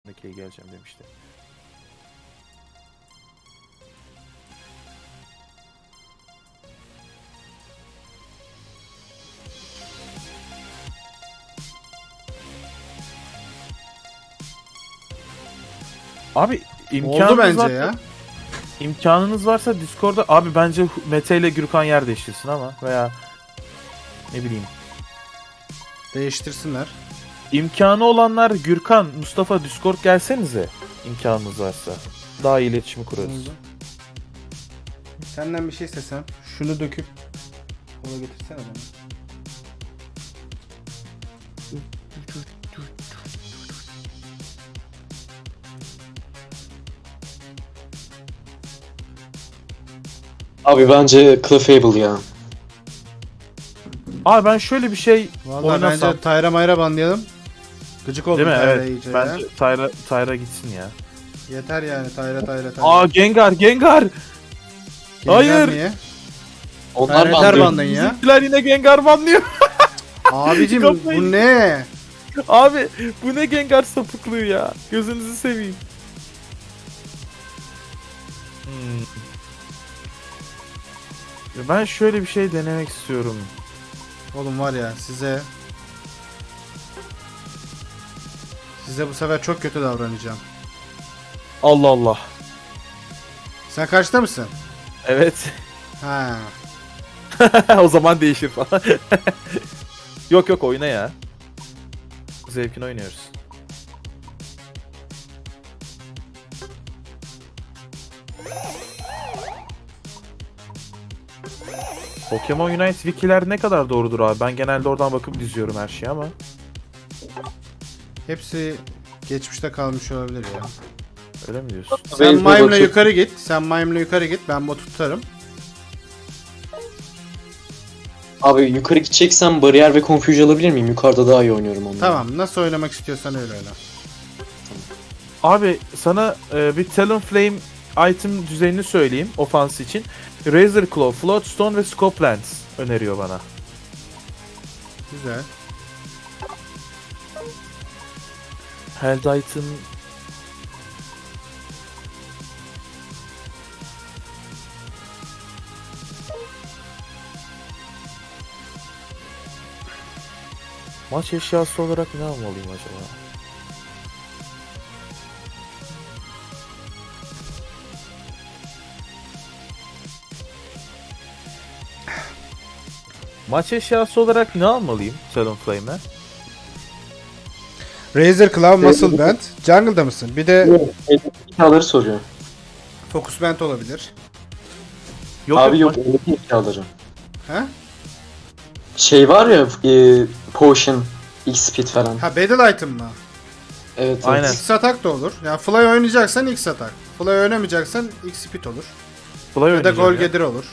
Meke'ye geleceğim demişti. Abi Oldu bence ya. İmkanınız varsa Discord'da abi bence Mete ile Gürkan yer değiştirsin ama veya ne bileyim. Değiştirsinler. İmkanı olanlar Gürkan, Mustafa Discord gelsenize imkanınız varsa. Daha iyi iletişimi kurarız. Senden bir şey istesem şunu döküp ona getirsene bana. Abi bence Clefable ya. Abi ben şöyle bir şey Vallahi oynasam. bence Tayra Mayra banlayalım. Gıcık oldum Değil mi? Tayra'ya Evet. iyice Bence ya. Tayra gitsin ya. Yeter yani Tayra. Aa Gengar. Gengar hayır. niye? Onlar Tayra yeter bandı. bandın ya. Bizimkiler yine Gengar banlıyor. Abicim Kafayı- bu ne? Abi bu ne Gengar sapıklığı ya. Gözünüzü seveyim. Ya ben şöyle bir şey denemek istiyorum. Oğlum var ya size bu sefer çok kötü davranacağım. Allah Allah. Sen kaçta mısın? Evet. Ha. O zaman değişir falan. Yok oyna ya. Zevkini oynuyoruz. Pokemon Unite wikiler ne kadar doğrudur abi? Ben genelde oradan bakıp diziyorum her şeyi ama. Hepsi geçmişte kalmış olabilir ya. Öyle mi diyorsun? Sen Wave'e Mime'la bakıyorum. yukarı git. Ben botu tutarım. Abi yukarı gideceksem bariyer ve confuge alabilir miyim? Yukarıda daha iyi oynuyorum onları. Tamam. Nasıl oynamak istiyorsan öyle oyna. Abi sana bir Talonflame item düzenini söyleyeyim ofans için. Razor Claw, Floatstone ve Scope Lens öneriyor bana. Güzel. Helldite'ın maç eşyası olarak ne almalıyım acaba? Maç eşyası olarak ne almalıyım Talonflame'e? Razor Claw, Muscle Band. Jungle'da mısın? Bir de Eşyaları soruyor. Focus Band olabilir. Abi yok maç- eldeki eşyaları. Ha? Şey var ya Potion, X-Speed falan. Ha Battle Item mı? Evet. Aynen. X atak da olur. Yani Fly oynayacaksan X atak. Fly oynamayacaksan X speed olur. Fly Ya da oynayacağım Gol ya. Gedir olur.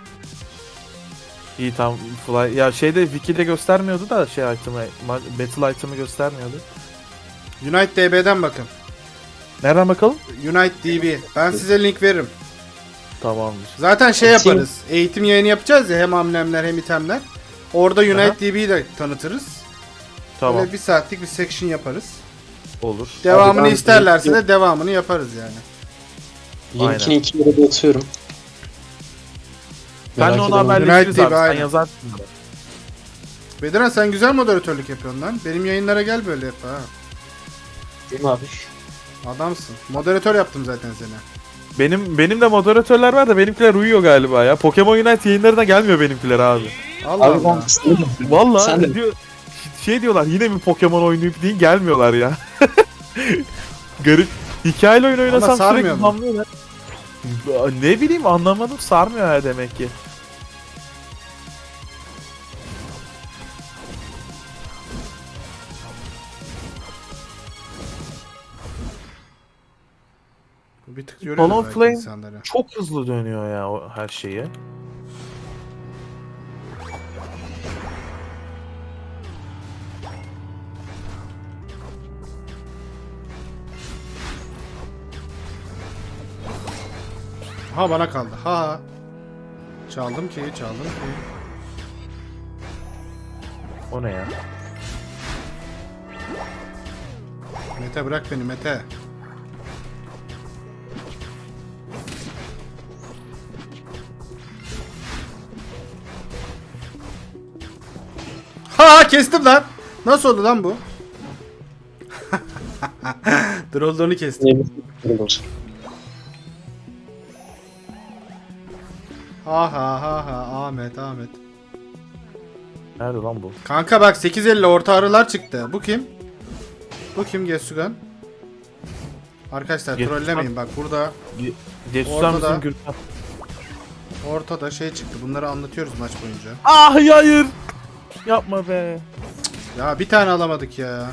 İyi tamam Fly. Ya şeyde Wiki'de göstermiyordu da şey item'ı, Battle item'ı göstermiyordu. Unite DB'den bakın. Nereden bakalım? Unite DB. Ben size link veririm. Tamamdır. Zaten şey Eğitim- yaparız. Eğitim yayını yapacağız ya hem amblemler hem itemler. Orada Unite Aha. DB'yi de tanıtırız. Tamam. Böyle bir saatlik bir section yaparız. Olur. Devamını ben- isterlerse de devamını yaparız yani. Yeninkini 2 yere de atıyorum. Ben de Merak onu eden haberleşiriz United abi. Sen aynen. yazarsın bana. Bediran sen güzel moderatörlük yapıyorsun lan. Benim yayınlara gel böyle yap ha. Değil mi abi? Adamsın. Moderatör yaptım zaten seni. Benim de moderatörler var da benimkiler uyuyor galiba ya. Pokemon Unite yayınlarına gelmiyor benimkiler abi. Allah Abi Allah. ben Vallahi Sen de- diyor şey diyorlar yine mi Pokemon oynayıp deyin gelmiyorlar ya. Garip. Hikayeli oyun oynasam sarmıyor sürekli mu? banlıyorlar. Ne bileyim anlamadım sarmıyor ha demek ki. Bir tık yoruyor Talon belki Flame- insanları. Çok hızlı dönüyor ya o her şeyi. Ha bana kaldı. Ha. Çaldım ki. O ne ya? Mete bırak beni Mete. Ha kestim lan. Nasıl oldu lan bu? Drolldown'u kestim. Ha ha ha ha Ahmet. Nerede lan bu? Kanka bak 850 orta arılar çıktı. Bu kim? Bu kim Gesugan? Arkadaşlar Gesugan. trollemeyin bak burada Desusar Ortada. mısın Gürkan? ortada şey çıktı. Bunları anlatıyoruz maç boyunca. Ah hayır. Yapma be. Ya bir tane alamadık ya.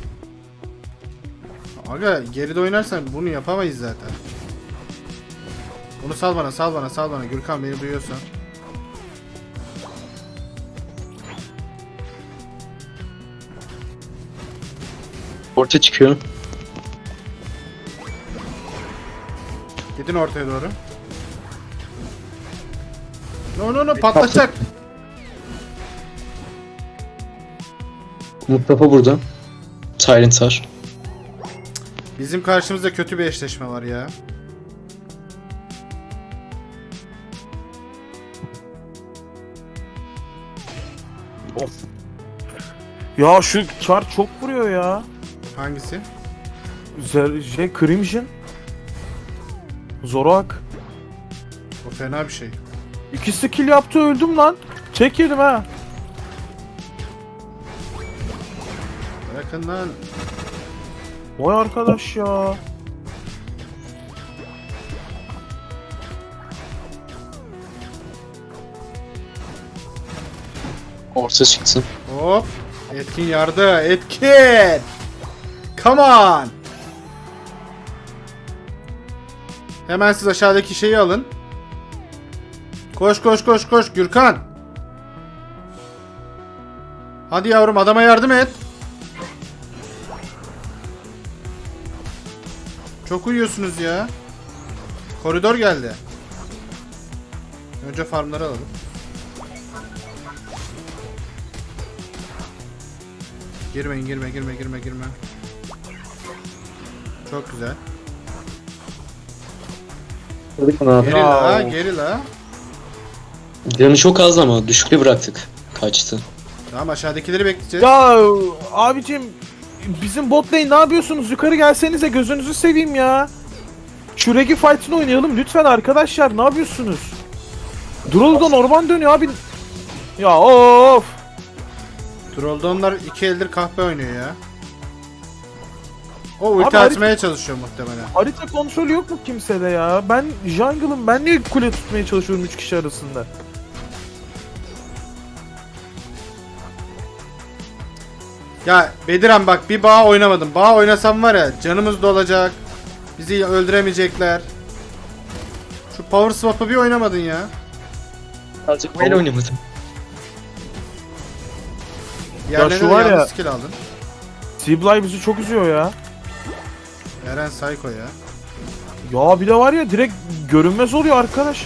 Aga geride oynarsan bunu yapamayız zaten. Bunu sal bana Gürkan beni duyuyorsan. Orta çıkıyor. Gidin ortaya doğru. No patlatacak. Mustafa burada. Silent var. Bizim karşımızda kötü bir eşleşme var ya. Of. Ya şu çar çok vuruyor ya. Hangisi? Crimson. Zorak. O fena bir şey. 2 skill yaptı öldüm lan. Tek yedim ha. Bırakın lan. Vay arkadaş ya. Orta çıksın. Hop. Etkin yardı. Etkin. Come on. Hemen siz aşağıdaki şeyi alın. Koş Gürkan. Hadi yavrum adama yardım et. Çok uyuyorsunuz ya. Koridor geldi. Önce farmları alalım. Girme. Çok güzel. Geri la. Canı çok az ama düşükle bıraktık. Kaçtı. Tamam aşağıdakileri bekleyeceğiz. Ya abicim bizim bot lane ne yapıyorsunuz? Yukarı gelsenize gözünüzü seveyim ya. Şu Regi fight'ını oynayalım lütfen arkadaşlar. Ne yapıyorsunuz? Droll'dan orman dönüyor abi. Ya of. Trolldonlar 2 eldir kahpe oynuyor ya. O ulti Abi, açmaya çalışıyor muhtemelen. Harita kontrolü yok mu kimsede ya? Ben jungle'ım. Ben niye kule tutmaya çalışıyorum 3 kişi arasında? Ya Bediran bak bir bağ oynamadım. Bağ oynasam var ya canımız dolacak. Bizi öldüremeyecekler. Şu power swap'ı bir oynamadın ya. Azıcık böyle oynamadım. Diğerlerine şu de var ya- yanlış skill aldın. T-Bly bizi çok üzüyor ya. Eren Psycho ya. Ya bir de var ya direkt görünmez oluyor arkadaş.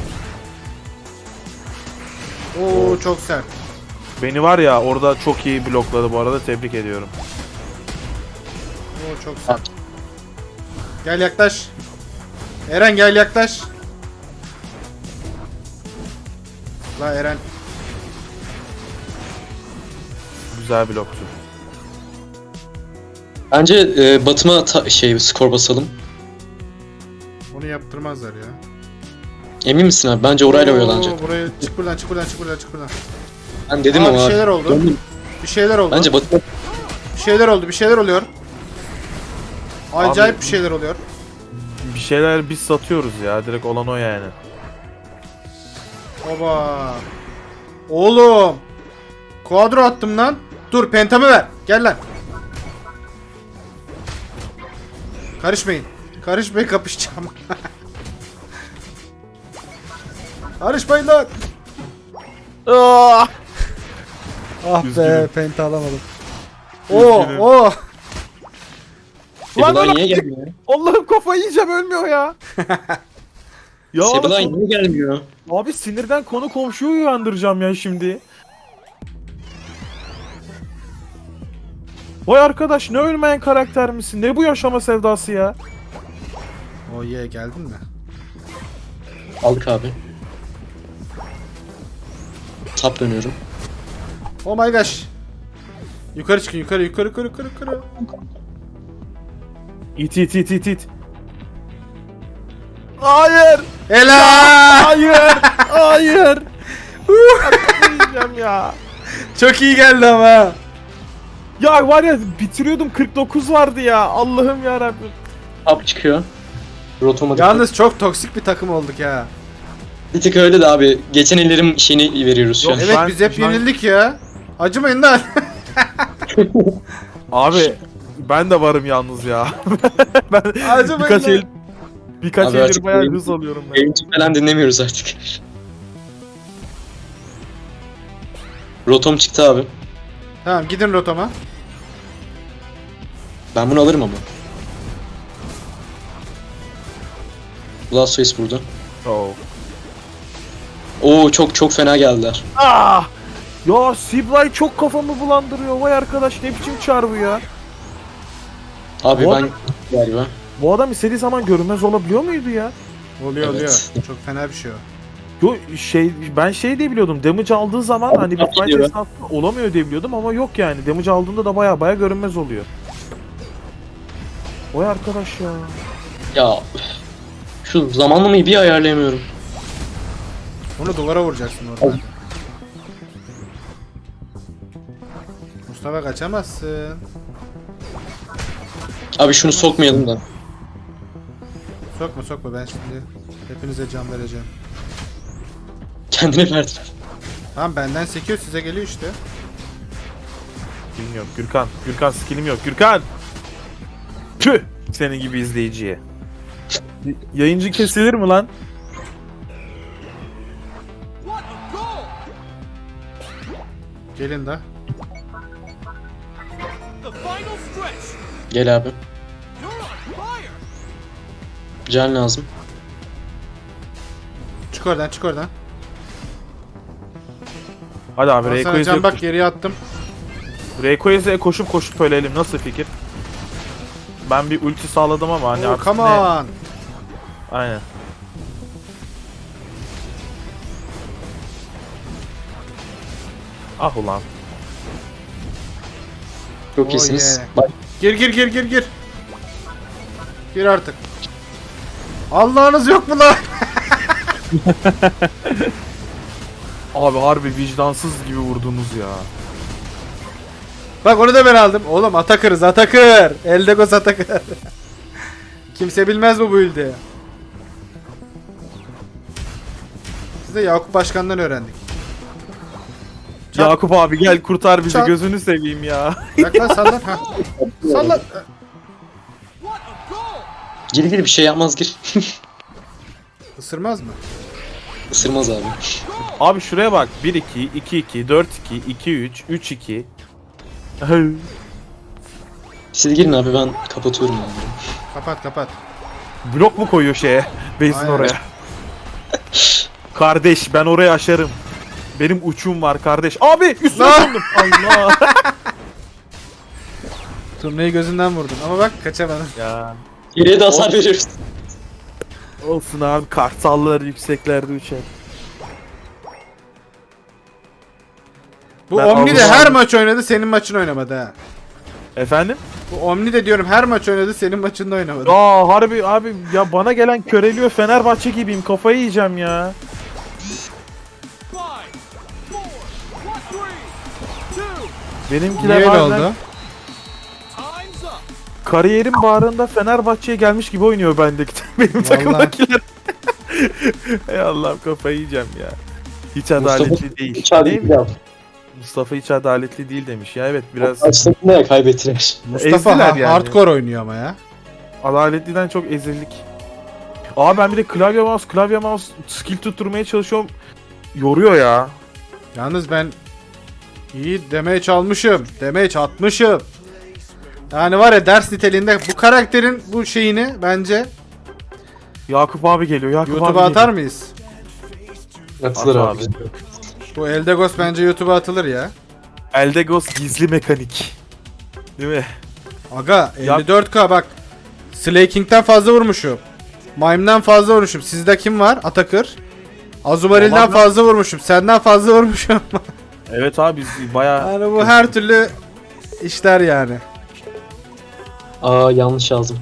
Oo çok sert. Beni var ya orada çok iyi blokladı bu arada, tebrik ediyorum. Oo çok sert. Gel yaklaş. Eren gel yaklaş. La Eren. Güzel bloktu. Bence Batıma skor basalım. Onu yaptırmazlar ya. Emin misin abi? Bence orayla Oo, oyalanacak. Buraya çık buradan. Ben dedim Aa, ama bir abi. şeyler oldu. Döndüm. Bir şeyler oldu. Bence Batıma Bir şeyler oluyor. Acayip Abi- bir şeyler oluyor. Bir şeyler biz satıyoruz ya, direkt olan o yani. Oba. Oğlum. Kuadro attım lan. Dur pentamı ver. Gel lan. Karışmayın. Karışmayın kapışacağım. Karışmayın lan. Ah! Ah Üzgünüm. penta alamadım. Üzgünüm. Oo. Lan Sebelay oğlum, niye gelmiyor? Allah'ım kafayı yiyeceğim, ölmüyor ya. Ya Sebelay oğlum, niye gelmiyor? abi sinirden konu komşuyu uyandıracağım ya şimdi. Vay arkadaş ne ölmeyen karakter misin? Ne bu yaşama sevdası ya? Oh yeah, geldin mi? Aldık abi. Tap dönüyorum. Oh my gosh. Yukarı çıkın, yukarı. İt. Hayır! Helal! Hayır! Yiyeceğim ya. Çok iyi geldi ama. Ya var ya bitiriyordum 49 vardı ya. Allah'ım ya Rabbim. Tap çıkıyor. Rotoma dikkat. Yalnız çok toksik bir takım olduk ya. Bir tık öyle de abi. Geçen ellerim şeyini veriyoruz şu an. Yok, Evet Ben- biz hep ben- yenildik ya. Acımayın lan. Abi ben de varım yalnız ya. Ben Acımayın lan. birkaç Abi eldir artık bayağı oyun- hız alıyorum ben. Yayıncı falan dinlemiyoruz artık. Rotom çıktı abi. Tamam gidin rotama. Ben bunu alırım ama. Blastoise burada. Oh. Oo çok fena geldiler. Ah! Ya Siblay çok kafamı bulandırıyor. Vay arkadaş ne biçim çar bu ya? Abi Bu ben galiba. Bu adam istediği zaman görünmez olabiliyor muydu ya? Oluyor. Evet. Çok fena bir şey o. Yo ben şey diye biliyordum. Damage aldığı zaman hani bir fight Geliyor. esnasında olamıyor diye biliyordum ama yok yani. Damage aldığında da baya görünmez oluyor. Vay arkadaş ya. Ya üf. Şu zamanlamayı bir ayarlayamıyorum. Onu duvara vuracaksın orada. Mustafa kaçamazsın. Abi şunu sokmayalım da. Sokma ben şimdi hepinize can vereceğim. Kendine verdim. Tamam benden sekiyor size geliyor işte. Bilmiyorum Gürkan. Gürkan skillim yok. Gürkan! Tüh! Senin gibi izleyiciye. Yayıncı kesilir mi lan? Gelin de. Gel abi. Can lazım. Çık oradan. Hadi abi Ben sana Rayquaza'ya can bak geriye attım. koşup ölelim. Nasıl fikir? Ben bir ulti sağladım ama hani Oh, artık come ne? on. Aynen. Ah ulan. Çok Oh iyisiniz. yeah. Bak Gir. Gir artık. Allah'ınız yok mu lan? Abi harbi vicdansız gibi vurdunuz ya. Bak onu da ben aldım. Oğlum Atakır'ız Atakır. Eldegos Atakır. Kimse bilmez bu build'i. Biz de Yakup Başkan'dan öğrendik. Çat. Yakup abi gel kurtar bizi Çat. gözünü seveyim ya. Bak lan sallan. Ha. Sallan. gir bir şey yapmaz gir. Isırmaz mı? Isırmaz abi. Abi şuraya bak 1-2, 2-2, 4-2, 2-3, 3-2. Siz girin abi ben kapatıyorum abi. Kapat. Blok mu koyuyor şeye? Base'in Aynen. oraya. Kardeş ben orayı aşarım. Benim uçum var kardeş. Abi üstüne Lan! döndüm. Allah. Turnayı gözünden vurdun ama bak kaçamadım. Ya Geriye de hasar veriyoruz. olsun abi kartallar yükseklerde uçar. Bu Ben Omni de Allah'ım. her maç oynadı senin maçın oynamadı ha. Efendim? Bu Omni de diyorum her maç oynadı senin maçında oynamadı. Aa harbi abi ya bana gelen köreliyor Fenerbahçe gibiyim kafayı yiyeceğim ya. Benimkiler Niye öyle bazen oldu? kariyerin bağrında Fenerbahçe'ye gelmiş gibi oynuyor bendeki benim takımdakiler. Ey Allah'ım kafayı yiyeceğim ya. Hiç adaletli değil. Değil mi? Mustafa hiç adaletli değil demiş ya evet biraz Başlarında ya kaybettiler. Mustafa ezdiler yani. hardcore oynuyor ama ya. adaletliden çok ezildik. Aa ben bir de klavye mouse skill tutturmaya çalışıyorum. Yoruyor ya. Yalnız ben iyi damage almışım. Damage atmışım. Yani var ya ders niteliğinde bu karakterin bu şeyini bence Yakup abi geliyor. Yakup YouTube'a abi atar mıyız? Atılır At abi. abi. Bu Eldegos bence YouTube'a atılır ya. Eldegos gizli mekanik. Değil mi? Aga Ya- 54k bak. Slay King'den fazla vurmuşum. Mime'den fazla vurmuşum. Sizde kim var? Atakır. Azumaril'den Vallahi ben- fazla vurmuşum. Senden fazla vurmuşum. Evet abi biz bayağı... Yani bu her türlü işler yani. Aa yanlış yazdım.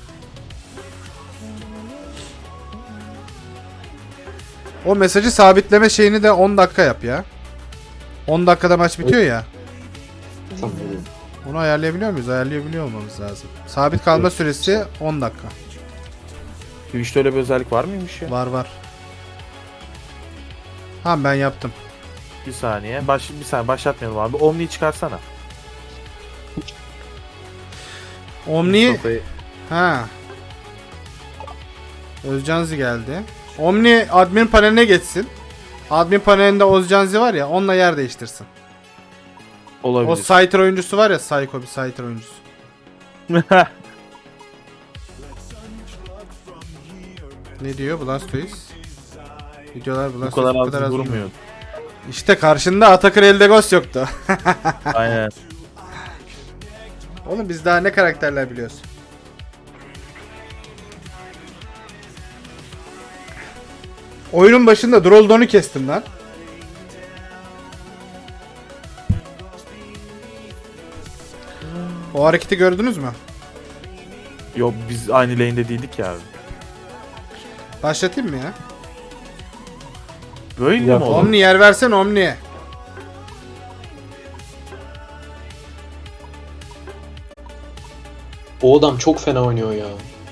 O mesajı sabitleme şeyini de 10 dakika yap ya. 10 dakikada maç bitiyor ya. Tamam. Onu ayarlayabiliyor muyuz? Ayarlayabiliyor olmamız lazım. Sabit kalma süresi 10 dakika. Twitch'te öyle bir özellik var mıymış ya? Var var. Ha ben yaptım. Bir saniye. Bir saniye başlatmayalım abi. Omni'yi çıkarsana. Omni Mustafa'yı- ha. Özcanzi geldi. Omni admin paneline geçsin. Admin panelinde Özcanzi var ya, onunla yer değiştirsin. Olabilir. O Scyther oyuncusu var ya, Psycho bir Scyther oyuncusu. Ne diyor Blastoise? Videolar Bu Blastoise kadar az vurmuyor. İşte karşında Atakır Eldegos yoktu. Aynen. Oğlum biz daha ne karakterler biliyoruz. Oyunun başında Droldon'u kestim lan. O hareketi gördünüz mü? Yok biz aynı lane'de değildik ya abi. Başlatayım mı ya? Böyle mi Yok, oldu? Omni yer versen Omni'ye. O adam çok fena oynuyor ya.